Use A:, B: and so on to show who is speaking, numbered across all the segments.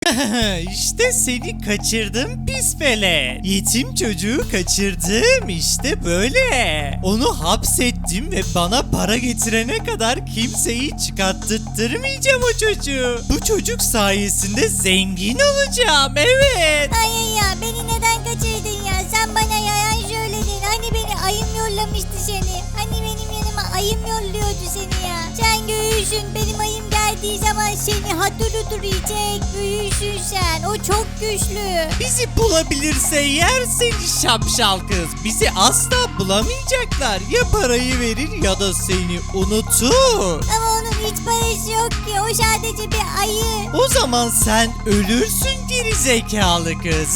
A: İşte seni kaçırdım pis velet. Yetim çocuğu kaçırdım işte böyle. Onu hapsettim ve bana para getirene kadar kimseyi çıkarttırmayacağım o çocuğu. Bu çocuk sayesinde zengin olacağım, evet.
B: Ay ya, beni neden kaçırdın ya? Sen bana yalan söyledin. Hani beni ayım yollamıştı seni. Hani benim yanıma ayım yolluyordu seni ya. Sen göğüsün, benim ayım geldiği zaman seni hatırı yiyecek. Büyüsün sen, o çok güçlü.
A: Bizi bulabilirse yer seni şapşal kız. Bizi asla bulamayacaklar. Ya parayı verir ya da seni unutur.
B: Ama onun hiç parası yok ki, o sadece bir ayı.
A: O zaman sen ölürsün geri zekalı kız.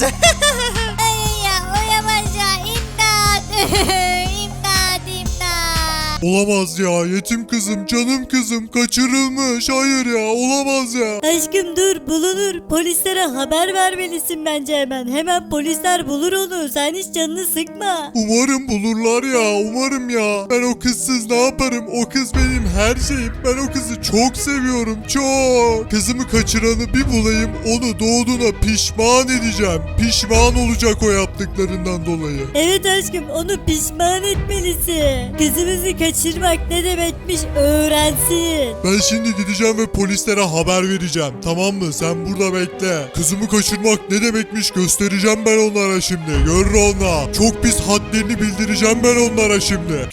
B: Ay ya, olamaz ya, imdat. İmdat, imdat.
C: Olamaz ya, yetim kızım, canım kızım kaçırılmış. Hayır ya, olamaz ya.
D: Aşkım dur, bulunur. Polislere haber vermelisin bence hemen. Hemen polisler bulur onu. Sen hiç canını sıkma.
C: Umarım bulurlar ya, umarım ya. Ben o kızsız ne yaparım? O kız benim her şeyim. Ben o kızı çok seviyorum, çok. Kızımı kaçıranı bir bulayım, onu doğduğuna pişman edeceğim. Pişman olacak o yaptıklarından dolayı.
D: Evet aşkım, onu pişman etmelisin. Kızımızı kaçırmak ne demekmiş öğrensin.
C: Ben şimdi gideceğim ve polislere haber vereceğim. Tamam mı? Sen burada bekle. Kızımı kaçırmak ne demekmiş göstereceğim ben onlara şimdi. Görür onlar. Çok pis hadlerini bildireceğim ben onlara şimdi.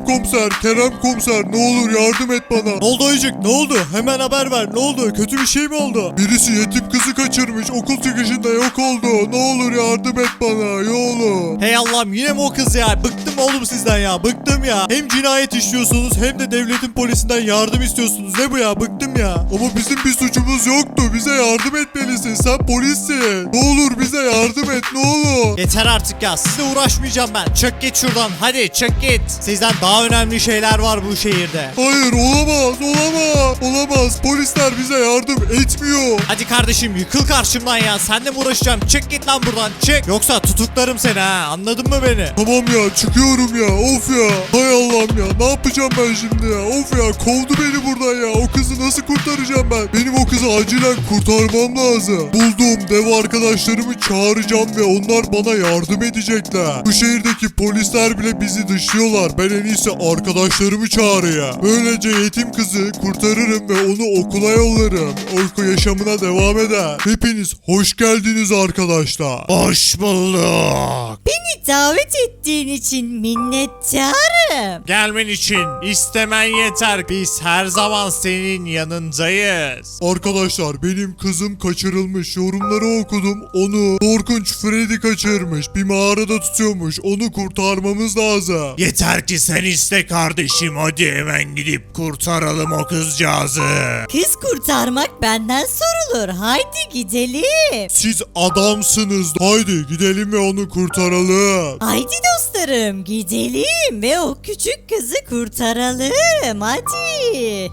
C: Kerem komiser ne olur yardım et bana.
A: Ne oldu Ayıcık, ne oldu? Hemen haber ver, ne oldu? Kötü bir şey mi oldu?
C: Birisi yetim kızı kaçırmış. Okul çıkışında yok oldu. Ne olur yardım et bana. Yolu.
A: Hey Allah'ım, yine mi o kız ya? Bıktım oğlum sizden ya, bıktım ya. Hem cinayet işliyorsunuz hem de devletin polisinden yardım istiyorsunuz. Ne bu ya? Bıktım ya.
C: Ama bizim bir suçumuz yoktu. Bize yardım etmelisin. Sen polissin. Ne olur bize yardım et. Ne olur.
A: Yeter artık ya, sizle uğraşmayacağım ben. Çık git şuradan, hadi çık git. Sizden daha önemli şeyler var bu şehirde.
C: Hayır olamaz. Olamaz. Polisler bize yardım etmiyor.
A: Hadi kardeşim, yıkıl karşımdan ya. Senle mi uğraşacağım? Çık git lan buradan, çık. Yoksa tutuklarım seni ha, anladın mı beni?
C: Tamam ya, çıkıyorum ya. Of ya. Hay Allah'ım ya. Ne yapacağım ben şimdi ya? Of ya, kovdu beni buradan ya. O kızı nasıl kurtaracağım ben? Benim o kızı acilen kurtarmam lazım. Bulduğum dev arkadaşlarımı çağıracağım ve onlar bana yardım edecekler. Bu şehirdeki polisler bile bizi dışlıyorlar. Ben en iyisi arkadaşlarımı çağırayım. Böylece yetim kızı kurtarırım ve onu okula yollarım. Okul yaşamına devam eder. Hepiniz hoş geldiniz arkadaşlar.
A: Hoş bulduk.
D: Beni davet ettiğin için minnettarım.
A: Gelmen için istemen yeter. Biz her zaman senin yanındayız.
C: Arkadaşlar, benim kızım kaçırılmış. Yorumları okudum. Onu korkunç Freddy kaçırmış. Bir mağarada tutuyormuş. Onu kurtarmamız lazım.
A: Yeter ki sen iste kardeşim. Hadi hemen gidip kurtaralım o kızcağızı.
D: Kız kurtarmak benden sorulur. Haydi gidelim.
C: Siz adamsınız. Haydi gidelim ve onu kurtaralım.
D: Haydi dostlarım, gidelim ve o küçük kızı kurtaralım. Hadi.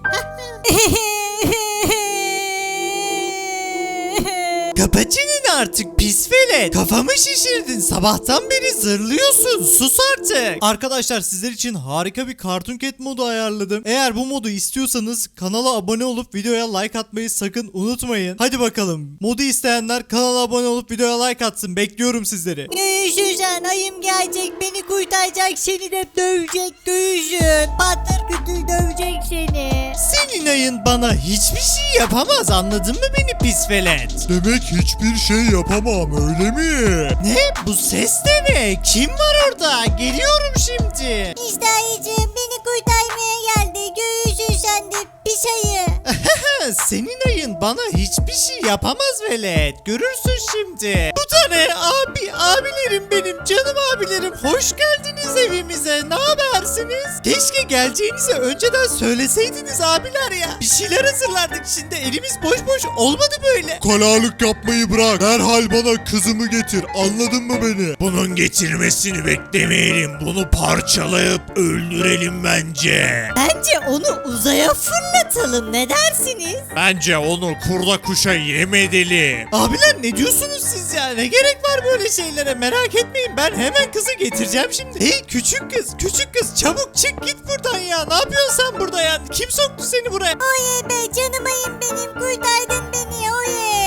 A: Kapa çeneni artık pis velet. Kafamı şişirdin. Sabahtan beri zırlıyorsun. Sus artık. Arkadaşlar, sizler için harika bir Cartoon Cat modu ayarladım. Eğer bu modu istiyorsanız kanala abone olup videoya like atmayı sakın unutmayın. Hadi bakalım. Modu isteyenler kanala abone olup videoya like atsın. Bekliyorum sizleri.
D: Göğüşün, ayım gelecek, beni kurtaracak, seni de dövecek göğüşün. Patır kütür dövecek seni.
A: Senin ayın bana hiçbir şey yapamaz. Anladın mı beni pis velet?
C: Demek hiçbir şey yapamam, öyle mi?
A: Ne? Bu ses de ne? Kim var orada? Geliyorum şimdi.
B: İşte ayıcığım, beni kurtarmaya geldi. Göğüsün sen de pis ayı.
A: Senin ayın bana hiçbir şey yapamaz velet. Görürsün şimdi. Bu da ne? Abilerim benim, canım abilerim. Hoş geldiniz evimize. Ne habersiniz? Keşke geleceğinizi önceden söyleseydiniz abiler ya. Bir şeyler hazırlardık, şimdi elimiz boş boş olmadı böyle.
C: Kalalık yapmayı bırak. Derhal bana kızımı getir. Anladın mı beni?
A: Bunun getirmesini beklemeyelim. Bunu parçalayıp öldürelim bence.
D: Bence onu uzaya fırlatalım, ne dersiniz?
A: Bence onu kurda kuşa yem edelim. Abiler, ne diyorsunuz siz ya? Ne gerek var böyle şeylere? Merak etmeyin, ben hemen kızı getireceğim şimdi. Hey küçük kız çabuk çık git buradan ya. Ne yapıyorsun sen burada ya? Kim soktu seni buraya?
B: Oye be, canım ayım benim, kurtardın beni oye.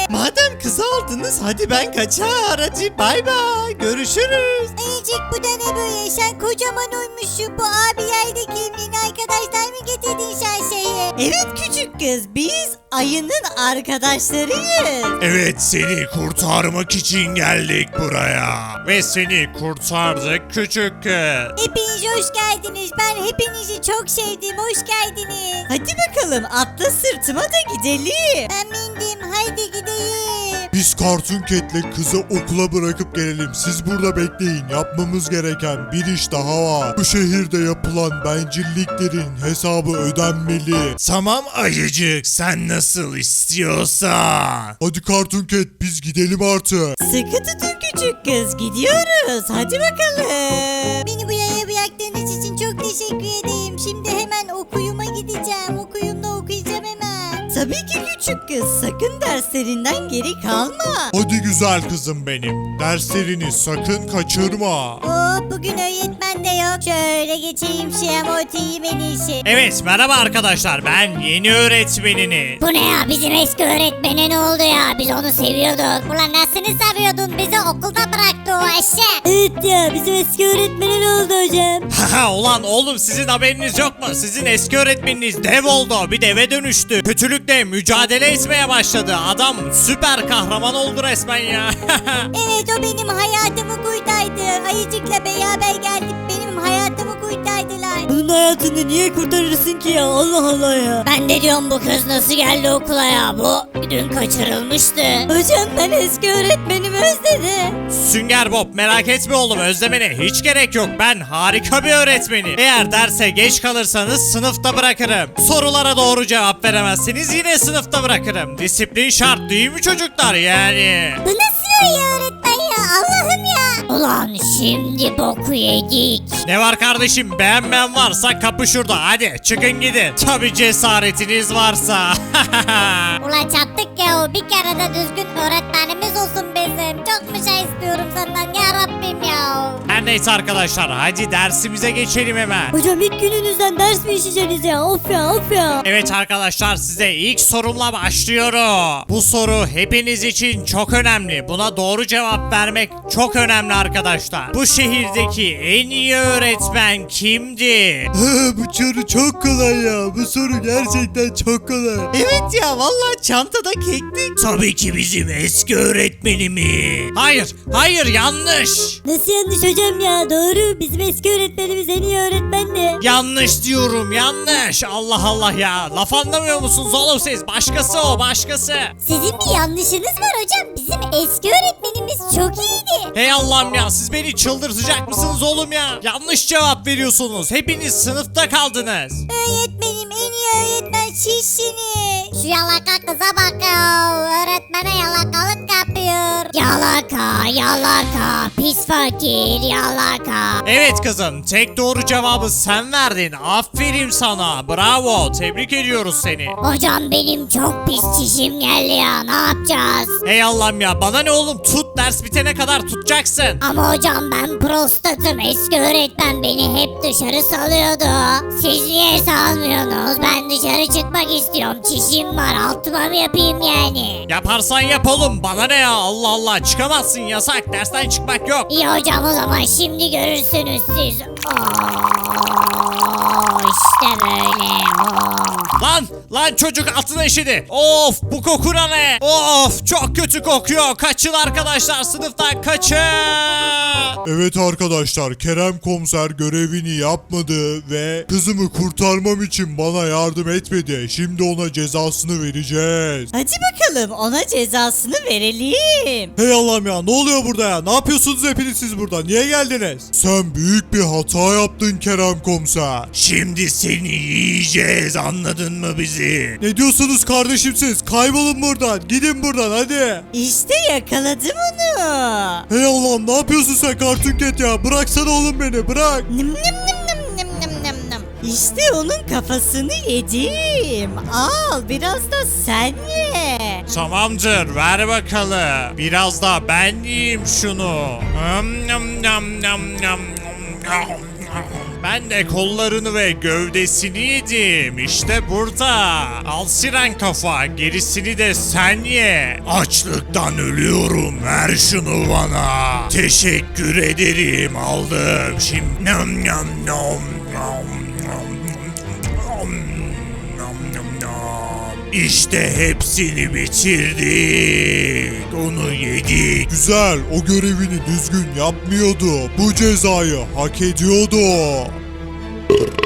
A: Madem kızı aldınız hadi ben kaçar. Hadi bay bay. Görüşürüz.
B: Ayıcık bu da ne böyle? Sen kocaman olmuşsun. Bu abiler de kimliğin arkadaşlar mı getirdin sen şeyi?
D: Evet küçük kız, biz ayının arkadaşlarıyız.
C: Evet, seni kurtarmak için geldik buraya.
A: Ve seni kurtardık küçük kız.
B: Hepiniz hoş geldiniz. Ben hepinizi çok sevdim. Hoş geldiniz.
D: Hadi bakalım atla sırtıma da gidelim.
B: Ben bindim. Haydi gidelim.
C: Biz Cartoon Cat'le kızı okula bırakıp gelelim. Siz burada bekleyin. Yapmamız gereken bir iş daha var. Bu şehirde yapılan bencilliklerin hesabı ödenmeli.
A: Tamam ayıcık sen nasıl istiyorsan.
C: Hadi Cartoon Cat, biz gidelim artık.
D: Sıkı tutun küçük kız, gidiyoruz. Hadi bakalım.
B: Beni bu yaya bıraktığınız için çok teşekkür ederim. Şimdi hemen okuyuma gideceğim. Okuyumda okuyacağım hemen.
D: Tabii ki küçük kız, sakın derslerinden geri kalma.
C: Hadi güzel kızım benim. Derslerini sakın kaçırma.
B: Bugün öğretmen de yok. Şöyle geçeyim şuraya oturayım en iyisi.
A: Evet merhaba arkadaşlar ben yeni öğretmeniniz.
B: Bu ne ya? Bizim eski öğretmene ne oldu ya? Biz onu seviyorduk. Ulan nasıl seviyordun? Bizi okulda bıraktı o eşek.
D: Evet ya, bizim eski öğretmene ne oldu hocam?
A: Haha ulan oğlum sizin haberiniz yok mu? Sizin eski öğretmeniniz dev oldu. Bir deve dönüştü. Kötülükle mücadele etmeye başladı. Adam süper kahraman oldu resmen ya.
B: Evet o benim hayatımı kurtardı. Ayıcıkla beraber geldik. Benim hayatımı kurtardılar.
D: Bunun hayatını niye kurtarırsın ki ya? Allah Allah ya.
B: Ben de diyorum bu kız nasıl geldi okula ya? Bu dün kaçırılmıştı.
D: Hocam ben eski öğretmenimi özledim.
A: Sünger Bob merak etme oğlum özlemene hiç gerek yok. Ben harika bir öğretmenim. Eğer derse geç kalırsanız sınıfta bırakırım. Sorulara doğru cevap veremezseniz yine sınıfta bırakırım. Disiplin şart değil mi çocuklar yani?
B: Bu nasıl ya öğretmen ya? Allah'ım ya. Ulan şimdi boku yedik.
A: Ne var kardeşim beğenmeyen varsa kapı şurada hadi çıkın gidin. Tabi cesaretiniz varsa.
B: Ulan çattık ya. Bir kere de düzgün öğretmenimiz olsun bizim. Çok mu şey istiyorum senden ya Rabbim ya.
A: Her neyse arkadaşlar hadi dersimize geçelim hemen.
D: Hocam ilk gününüzden ders mi işleyeceksiniz ya? Of ya of ya.
A: Evet arkadaşlar size ilk sorumla başlıyorum. Bu soru hepiniz için çok önemli. Buna doğru cevap vermek çok önemli arkadaşlar. Bu şehirdeki en iyi öğretmen kimdi?
C: Bu soru çok kolay ya. Bu soru gerçekten çok kolay.
A: Evet ya vallahi çantada keklik. Tabii ki bizim eski öğretmenimiz. Hayır yanlış.
D: Nasıl yanlış hocam ya? Doğru, bizim eski öğretmenimiz en iyi öğretmendi.
A: Yanlış diyorum yanlış. Allah Allah ya. Laf anlamıyor musunuz oğlum siz? Başkası o başkası.
B: Sizin bir yanlışınız var hocam. Bizim eski öğretmenimiz çok iyiydi.
A: Hey Allah'ım ya siz beni çıldırtacak mısınız oğlum ya? Yanlış cevap veriyorsunuz. Hepiniz sınıfta kaldınız.
B: Öğretmenim en iyi öğretmen sizsiniz. Şu yalaka kıza bak ya. Öğretmene yalakalık yapıyor. Yalaka, pis fakir, yalaka.
A: Evet kızım tek doğru cevabı sen verdin. Aferin sana. Bravo. Tebrik ediyoruz seni.
B: Hocam benim çok pis çişim geldi ya. Ne yapacağız?
A: Hey Allah'ım ya bana ne oğlum tut ders bitene kadar tutacaksın.
B: Ama hocam ben prostatım. Eski öğretmen beni hep dışarı salıyordu. Siz niye salmıyorsunuz? Ben dışarı çıkmak istiyorum. Çişim var. Altıma mı yapayım yani?
A: Yaparsan yap oğlum bana ne ya Allah Allah çıkamazsın yasak dersten çıkmak yok.
B: İyi hocam o zaman şimdi görürsünüz siz. İşte böyle.
A: Lan çocuk atına işedi. Of bu koku ne? Of çok kötü kokuyor. Kaçın arkadaşlar sınıftan kaçın.
C: Evet arkadaşlar, Kerem komiser görevini yapmadı ve kızımı kurtarmam için bana yardım etmedi. Şimdi ona cezasını vereceğiz.
D: Hadi bakalım ona cezasını verelim.
C: Hey Allah'ım ya, ne oluyor burada ya? Ne yapıyorsunuz hepiniz siz burada? Niye geldiniz? Sen büyük bir hata yaptın Kerem komiser.
A: Şimdi seni yiyeceğiz anladın mı bizi?
C: Ne diyorsunuz kardeşim siz? Kaybolun buradan. Gidin buradan hadi.
D: İşte yakaladım onu.
C: Hey Allah'ım, ne yapıyorsun sen Cartoon Cat ya? Bıraksana oğlum beni, bırak.
D: Nım nım nım nım nım nım nım nım. İşte onun kafasını yedim. Al biraz da sen ye.
A: Tamamdır ver bakalım. Biraz da ben yiyeyim şunu.
E: Ben de kollarını ve gövdesini yedim. İşte burada. Al siren kafa. Gerisini de sen ye. Açlıktan ölüyorum. Ver şunu bana. Teşekkür ederim. Aldım. Şimdi nom nom nom nom nom nom nom nom. İşte hepsini bitirdik. Onu yedik.
C: Güzel, o görevini düzgün yapmıyordu. Bu cezayı hak ediyordu.